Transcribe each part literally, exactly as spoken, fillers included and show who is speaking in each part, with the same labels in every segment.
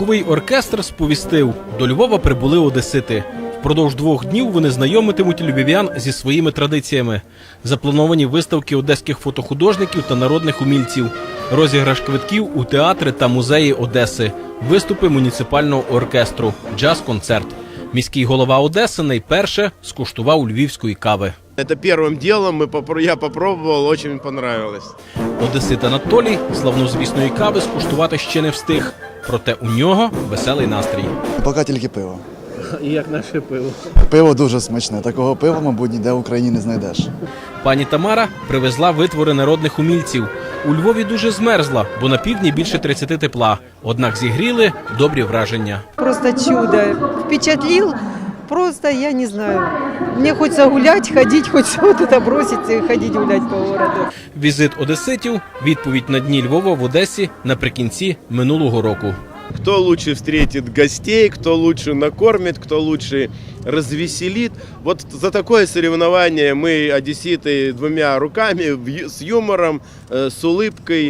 Speaker 1: Верховий оркестр сповістив, до Львова прибули одесити. Впродовж двох днів вони знайомитимуть львів'ян зі своїми традиціями. Заплановані виставки одеських фотохудожників та народних умільців, розіграш квитків у театри та музеї Одеси, виступи муніципального оркестру, джаз-концерт. Міський голова Одеси найперше скуштував львівської кави.
Speaker 2: Это первым делом мы попро... я попробовал, очень понравилось.
Speaker 1: Одесит Анатолій славнозвісної кави скуштувати ще не встиг. Проте у нього веселий настрій.
Speaker 3: Поки тільки пиво.
Speaker 4: І як наше пиво?
Speaker 3: Пиво дуже смачне. Такого пива, мабуть, ніде в Україні не знайдеш.
Speaker 1: Пані Тамара привезла витвори народних умільців. У Львові дуже змерзла, бо на півдні більше тридцяти тепла. Однак зігріли добрі враження.
Speaker 5: Просто чудо. Впечатлил. Просто, я не знаю, мне хочется гулять, ходить, хочется вот это бросить и ходить гулять по городу.
Speaker 1: Візит одеситів – відповідь на Дні Львова в Одесі наприкінці минулого року.
Speaker 2: Кто лучше встретит гостей, кто лучше накормит, кто лучше развеселит. Вот за такое соревнование мы, одесситы, двумя руками, с юмором, с улыбкой,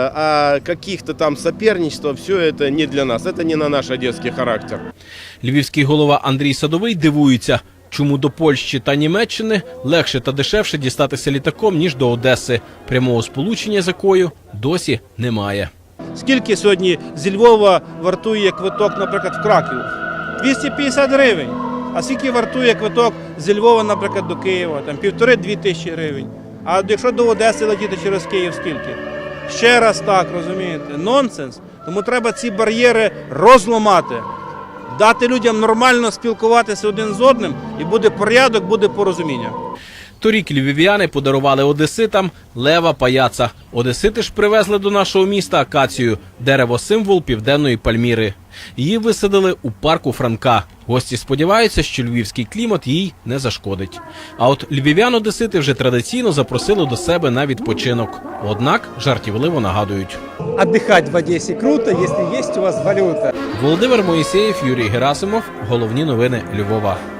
Speaker 2: а каких-то там соперничества, все это не для нас, это не на наш одесский характер.
Speaker 1: Львівський голова Андрій Садовий дивується, чому до Польщі та Німеччини легше та дешевше дістатися літаком, ніж до Одеси, прямого сполучення з якою досі немає.
Speaker 4: Скільки сьогодні зі Львова вартує квиток, наприклад, в Краків? двісті п'ятдесят гривень. А скільки вартує квиток зі Львова, наприклад, до Києва? Там півтори-дві тисячі гривень. А якщо до Одеси летіти через Київ, скільки? Ще раз так, розумієте? Нонсенс. Тому треба ці бар'єри розламати. Дати людям нормально спілкуватися один з одним, і буде порядок, буде порозуміння.
Speaker 1: Торік львів'яни подарували одеситам лева паяца. Одесити ж привезли до нашого міста акацію – дерево-символ Південної Пальміри. Її висадили у парку Франка. Гості сподіваються, що львівський клімат їй не зашкодить. А от львів'ян-одесити вже традиційно запросили до себе на відпочинок. Однак жартівливо нагадують.
Speaker 6: Отдыхать в Одессе круто, если есть у вас валюта.
Speaker 1: Володимир Моїсеєв, Юрій Герасимов. Головні новини Львова.